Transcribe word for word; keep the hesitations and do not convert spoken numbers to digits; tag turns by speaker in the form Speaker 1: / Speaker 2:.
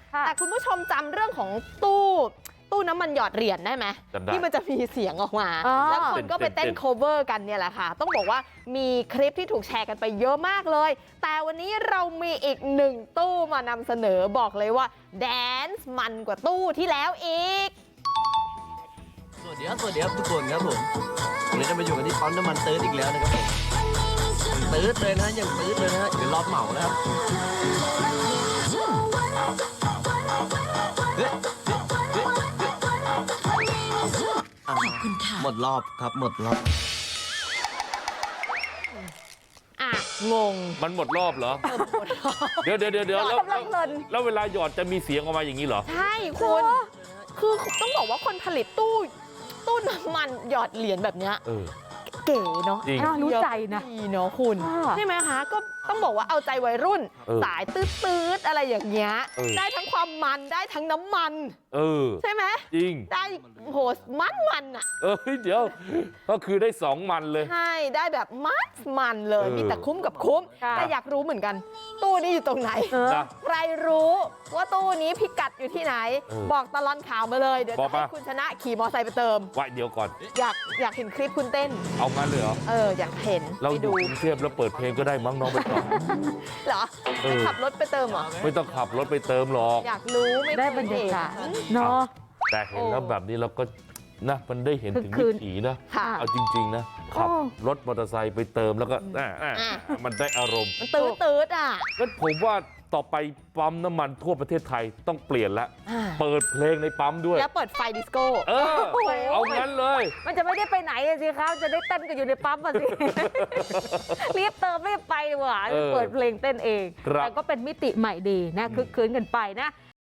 Speaker 1: แต่คุณผู้ชมจำเรื่องของตู้ตู้น้ำมันหยอดเหรียญได้ไหมที่มันจะมีเสียงออกมาแล้วคนก็ไปเต้น cover กันเนี่ยแหละค่ะต้องบอกว่ามีคลิปที่ถูกแชร์กันไปเยอะมากเลยแต่วันนี้เรามีอีกหนึ่งตู้มานำเสนอบอกเลยว่าแดนซ์มันกว่าตู้ที่แล้วอีก
Speaker 2: สวัสดีครับสวัสดีครับทุกคนครับผมวันนี้จะมาอยู่กันที่ปั๊มน้ำมันตื้ดอีกแล้วนะครับผมตื้ดเลยนะยังตื้ดเลยนะเดี๋ยวรอบเหมานะครับหมดรอบครับหมดรอบ
Speaker 1: อ่ะงง
Speaker 3: มันหมดรอบเหรอเดี๋ยวเดี๋ยวเดี๋ยวเดี๋ยวแล้วแล้วเวลาหยอดจะมีเสียงออกมาอย่างนี้เหรอ
Speaker 1: ใช่คุณคือต้องบอกว่าคนผลิตตู้ตู้น้ำมันหยอดเหรียญแบบเนี้ยเก๋เนาะ
Speaker 4: รู้ใจนะ
Speaker 1: ดีเนาะคุณใช่ไหมคะก็ต้องบอกว่าเอาใจวัยรุ่นสายตืดๆอะไรอย่างเงี้ยได้ทั้งความมันได้ทั้งน้ำมัน
Speaker 3: เออ
Speaker 1: ใช่ไหม
Speaker 3: จริง
Speaker 1: ได้โหมันมันอ่ะ
Speaker 3: เออเดี๋ยวก็คือได้สองมันเลย
Speaker 1: ใช่ได้แบบมันมันเลยมีแต่คุ้มกับคุ้มแต่อยากรู้เหมือนกันตู้นี้อยู่ตรงไหนใครรู้ว่าตู้นี้พิกัดอยู่ที่ไหนบอกตลอดข่าวมาเลยเดี๋ยวจะให้คุณชนะขี่มอเตอร์ไซค์ไปเติม
Speaker 3: ไว้เดี๋ยวก่อน
Speaker 1: อยากอยากเห็นคลิปคุณเต้น
Speaker 3: เอางั้นเลยเหรอ
Speaker 1: เอออยากเห็น
Speaker 3: เราอยู่กรุงเทพแล้วเปิดเพลงก็ได้มั้งน้องไปต่อ
Speaker 1: เหรอขับรถไปเติมเหรอ
Speaker 3: ไม่ต้องขับรถไปเติมหรอก
Speaker 1: อยากรู้ไม่
Speaker 4: ได้บรรยากาศเนาะ
Speaker 3: แต่เห็นแล้วแบบนี้เราก็นะมันได้เห็นถึงวิถีนะเอาจริงๆนะขับรถมอเตอร์ไซค์ไปเติมแล้วก็มันได้อารมณ์
Speaker 1: มันตื้อตื้ออ่ะ
Speaker 3: งั้นผมว่าต่อไปปั๊มน้ำมันทั่วประเทศไทยต้องเปลี่ยนแล้วเปิดเพลงในปั๊มด้วย
Speaker 1: แล้วเปิดไฟดิสโก้
Speaker 3: เออเอางั้นเลย
Speaker 4: มันจะไม่ได้ไปไหนสิครับจะได้เต้นกันอยู่ในปั๊มอ่ะสิรีบเติมรีบไปดีกว่าเปิดเพลงเต้นเองแต่ก็เป็นมิติใหม่ดีนะคึกคืนกันไปนะ